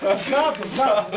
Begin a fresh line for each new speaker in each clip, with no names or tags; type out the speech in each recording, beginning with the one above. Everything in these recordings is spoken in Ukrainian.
Ззаду.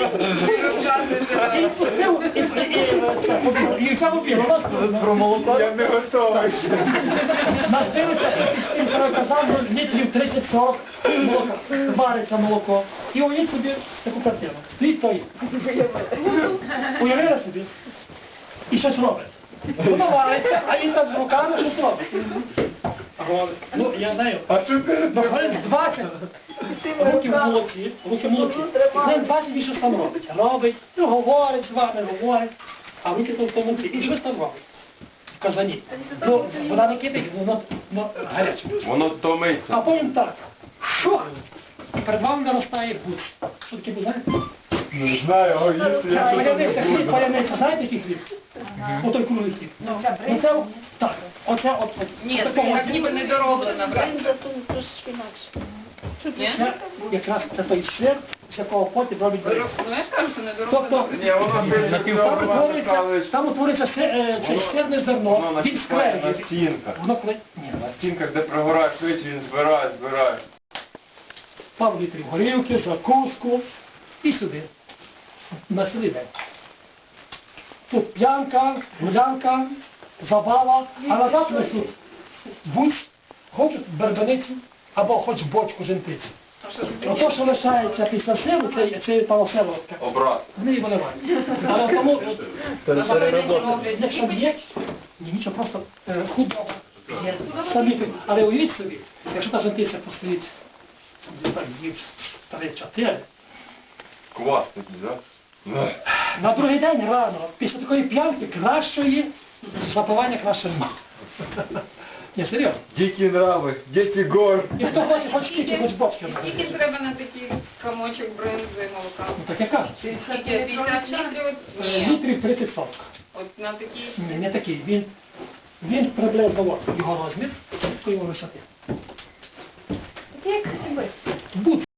І пустив, і взяв обіг.
Про молоко?
Я не готовий.
Настилися, і казав, літрів 30-40 молока, вариться молоко. І уявіть собі таку картину. Стоїть той. Уявили собі? І щось робить. Воно вариться, а він там з руками щось робить. Ну, я знаю, хвилин 20 руки в молоці, хвилин 20 він щось там робить. Робить, ну, говорить з вами, говорить, а руки там в тому і щось там робить. В казані. Ну, вода не кипить, воно гаряче.
Воно томиться.
А потім так, шух, і перед вами наростає гуц. Що таке, ви знаєте?
Не знаю, а їсти я щось
Паяниця,
не
хліб,
буду.
паяниця, знаєте який хліб? Отой круглий хліб. Оце, так, оце,
Ні, це як ніби недороблена, брат.
Бринза тут трошечки інакше.
Ні?
Це якраз це той шлях, з якого потім робить бринзу.
Ну я ж кажу, що недороблена.
Тобто,
Ні, воно щось
там утворюється шкірне зерно,
воно
він
наступає на
склеює.
стінках.
Воно коли... Ні,
На стінках, де прогорає швидше, він збирає.
пару літрів горілки, закуску і сюди. На цілий день. Тут п'янка, гулянка, забава, а назад несуть гусь, хочуть бербеницю або хоч бочку жентиці. Ото, що лишається після сливу, це палоселовка.
Обрат.
Вони його виливають. Але тому, як там є, нічого, просто худоба є. Самі, але уявіть собі, якщо та жентиця постоїть, днів 3-4,
Квас такий, так?
на другий день рано, після такої п'янки, кращої запивання краще нема. Ні, серйозно.
Дикі нрави, дикі гор.
І хто хоче, хоч скільки, хоч бочки.
І скільки треба на такий комочок бринзи молока?
Ну так я кажу.
Скільки? 50 літрів? Ні.
Літрів 30-40.
От на такий...
Ні, не такий. Він приблизно от його розмір, такої його висоти.
Як хліби.
Будь.